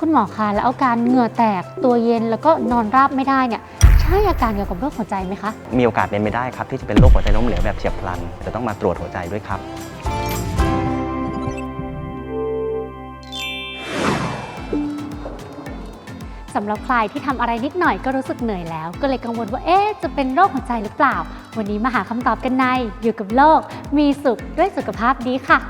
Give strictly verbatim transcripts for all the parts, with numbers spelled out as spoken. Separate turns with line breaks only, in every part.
คุณหมอคะแล้วอาการเหงื่อแตกตัวเย็นแล้วก็นอนราบไม่ได้เนี่ยใช่อาการเกี่ยวกับโรคหัวใจไหมคะ
มีโอกาสเป็นไปได้ครับที่จะเป็นโรคหัวใจล้มเหลวแบบเฉียบพลันจะต้องมาตรวจหัวใจด้วยครับ
สำหรับใครที่ทำอะไรนิดหน่อยก็รู้สึกเหนื่อยแล้วก็เลยกังวลว่าเอ๊ะจะเป็นโรคหัวใจหรือเปล่าวันนี้มาหาคำตอบกันในอยู่กับโลกมีสุขด้วยสุขภาพดีค่ะ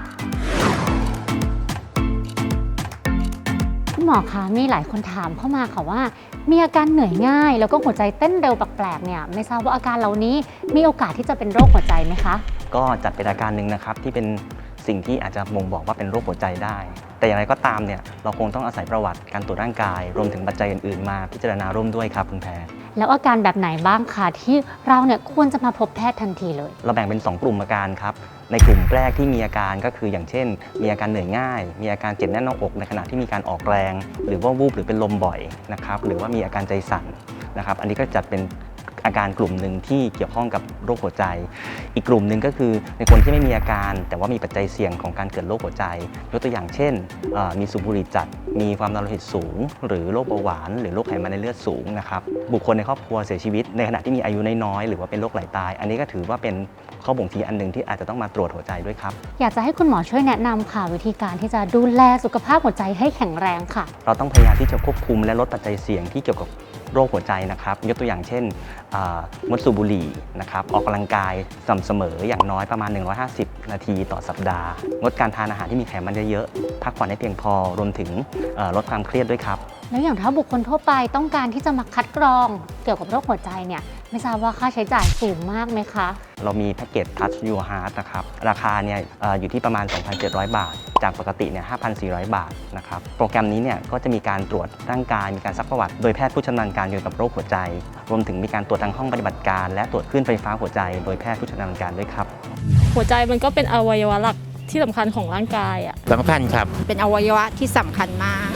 คุณหมอคะมีหลายคนถามเข้ามาค่ะว่ามีอาการเหนื่อยง่ายแล้วก็หัวใจเต้นเร็วแปลกๆเนี่ยไม่ทราบว่าอาการเหล่านี้มีโอกาสที่จะเป็นโรคหัวใจไหมคะ
ก็จัดเป็นอาการหนึ่งนะครับที่เป็นสิ่งที่อาจจะบ่งบอกว่าเป็นโรคหัวใจได้แต่อย่างไรก็ตามเนี่ยเราคงต้องอาศัยประวัติการตรวจร่างกายรวมถึงปัจจัยอื่นๆมาพิจารณาร่วมด้วยครับคุณแพร
แล้วอาการแบบไหนบ้างคะที่เราเนี่ยควรจะมาพบแพทย์ทันทีเลย
เราแบ่งเป็นสองกลุ่มอาการครับในกลุ่มแรกที่มีอาการก็คืออย่างเช่นมีอาการเหนื่อยง่ายมีอาการเจ็บแน่นหน้าอกในขณะที่มีการออกแรงหรือว่าวูบหรือเป็นลมบ่อยนะครับหรือว่ามีอาการใจสั่นนะครับอันนี้ก็จัดเป็นอาการกลุ่มหนึ่งที่เกี่ยวข้องกับโรคหัวใจอีกกลุ่มหนึ่งก็คือในคนที่ไม่มีอาการแต่ว่ามีปัจจัยเสี่ยงของการเกิดโรคหัวใจยกตัวอย่างเช่นมีสูบบุหรี่จัดมีความดันโลหิตสูงหรือโรคเบาหวานหรือโรคไขมันในเลือดสูงนะครับบุคคลในครอบครัวเสียชีวิตในขณะที่มีอายุน้อยๆหรือว่าเป็นโรคไหลตายอันนี้ก็ถือว่าเป็นข้อบ่งชี้อันหนึ่งที่อาจจะต้องมาตรวจหัวใจด้วยครับ
อยากจะให้คุณหมอช่วยแนะนำค่ะวิธีการที่จะดูแลสุขภาพหัวใจให้แข็งแรงค่ะ
เราต้องพยายามที่จะควบคุมและลดปัจจัยเสี่ยงที่เกี่ยวกับโรคหัวใจนะครับยกตัวอย่างเช่นงดสูบบุหรี่นะครับออกกำลังกายสม่ำเสมออย่างน้อยประมาณหนึ่งร้อยห้าสิบนาทีต่อสัปดาห์งดการทานอาหารที่มีไขมันเยอะๆพักผ่อนให้เพียงพอรวมถึงลดความเครียดด้วยครับ
แล้วอย่างถ้าบุคคลทั่วไปต้องการที่จะมาคัดกรองเกี่ยวกับโรคหัวใจเนี่ยไม่ทราบว่าค่าใช้จ่ายสูงมากไหมคะ
เรามีแพ็กเกจ Touch Your Heart นะครับราคาเนี่ยอยู่ที่ประมาณ สองพันเจ็ดร้อย บาทจากปกติเนี่ย ห้าพันสี่ร้อย บาทนะครับโปรแกรมนี้เนี่ยก็จะมีการตรวจร่างกายมีการซักประวัติโดยแพทย์ผู้ชำนาญการเกี่ยวกับโรคหัวใจรวมถึงมีการตรวจทางห้องปฏิบัติการและตรวจคลื่นไฟฟ้าหัวใจโดยแพทย์ผู้ชำนาญการด้วยครับ
หัวใจมันก็เป็นอวัยวะหลักที่สำคัญของร่างกายอ่ะ
สำคัญครับ
เป็นอวัยวะที่สำคัญมาก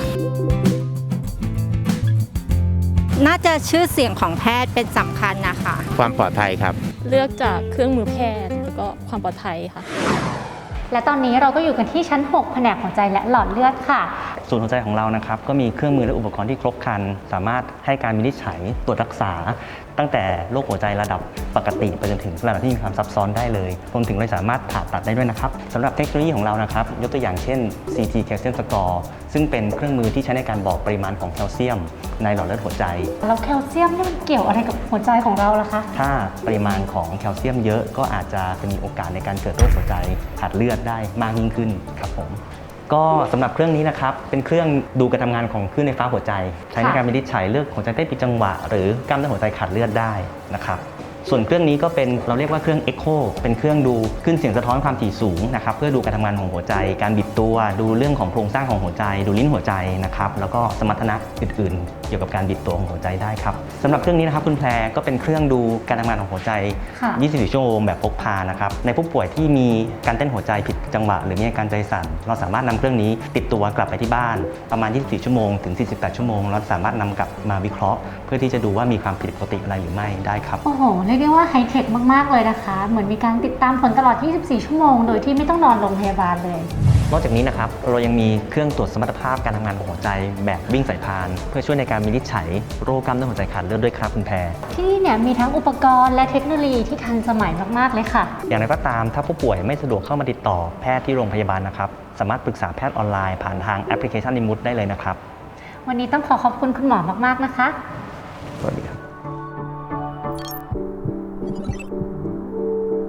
น่าจะชื่อเสียงของแพทย์เป็นสำคัญนะคะ
ความปลอดภัยครับ
เลือกจากเครื่องมือแพทย์แล้วก็ความปลอดภัยค่ะ
และตอนนี้เราก็อยู่กันที่ชั้นหกแผนกหัวใจและหลอดเลือดค่ะ
ศูนย์หัวใจของเรานะครับก็มีเครื่องมือและอุปกรณ์ที่ครบครันสามารถให้การวินิจฉัยตรวจรักษาตั้งแต่โรคหัวใจระดับปกติไปจนถึงระดับที่มีความซับซ้อนได้เลยรวมถึงเราสามารถผ่าตัดได้ด้วยนะครับสำหรับเทคโนโลยีของเรานะครับยกตัวอย่างเช่น ซี ที Calcium Score ซึ่งเป็นเครื่องมือที่ใช้ในการบอกปริมาณของแคลเซียมในหลอดเลือดหัวใจ
แล้วแคลเซียมนี่มันเกี่ยวอะไรกับหัวใจของเราล่ะคะ
ถ้าปริมาณของแคลเซียมเยอะก็อาจจะมีโอกาสในการเกิดโรคหัวใจขาดเลือดได้มากยิ่งขึ้นครับผมก็สำหรับเครื่องนี้นะครับเป็นเครื่องดูการทำงานของคลื่นไฟฟ้าหัวใจใช้ในการวินิจฉัยเลือกหัวใจเต้นผิดจังหวะหรือกล้ามเนื้อหัวใจขาดเลือดได้นะครับส่วนเครื่องนี้ก็เป็นเราเรียกว่าเครื่อง Echo เป็นเครื่องดูคลื่นเสียงสะท้อนความถี่สูงนะครับเพื่อดูการทำงานของหัวใจการบีบตัวดูเรื่องของโครงสร้างของหัวใจดูลิ้นหัวใจนะครับแล้วก็สมรรถนะอื่นๆเกี่ยวกับการบีบตัวของหัวใจได้ครับสำหรับเครื่องนี้นะครับคุณแพรก็เป็นเครื่องดูการทำงานของหัวใจยี่สิบสี่ชั่วโมงแบบพกพานะครับในผู้ป่วยที่มีการเต้นหัวใจผิดจังหวะหรือมีอาการใจสั่นเราสามารถนำเครื่องนี้ติดตัวกลับไปที่บ้านประมาณยี่สิบสี่ชั่วโมงถึงสี่สิบแปดชั่วโมงเราสามารถนำกลับมาวิเคราะห์เพื่อที่จะดูว่ามีความผิดปกติอะไรหรือไม่ได้ครับ
โอ้โหเรียกได้ว่าไฮเทคมากๆเลยนะคะเหมือนมีการติดตามผลตลอดยี่สิบสี่ชั่วโมงโดยที่ไม่ต้องนอนโรงพยาบาลเลย
นอกจากนี้นะครับเรายังมีเครื่องตรวจสมรรถภาพการทำงานของหัวใจแบบวิ่งสายพานเพื่อช่วยในการวินิจฉัยโรคกล้ามเนื้อหัวใจขาดเลือดด้วยครับคุณแพร
ที่นี่เนี่ยมีทั้งอุปกรณ์และเทคโนโลยีที่ทันสมัยมากๆเลยค่ะ
อย่างไรก็ตามถ้าผู้ป่วยไม่สะดวกเข้ามาติดต่อแพทย์ที่โรงพยาบาลนะครับสามารถปรึกษาแพทย์ออนไลน์ผ่านทางแอปพลิเคชันนิมุตได้เลยนะครับ
วันนี้ต้องขอขอบคุณคุณหมอมากๆนะคะ
สวัสดีครับ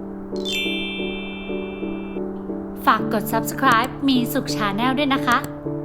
ฝากกด ซับสไครบ์ มีสุข ชาแนล ด้วยนะคะ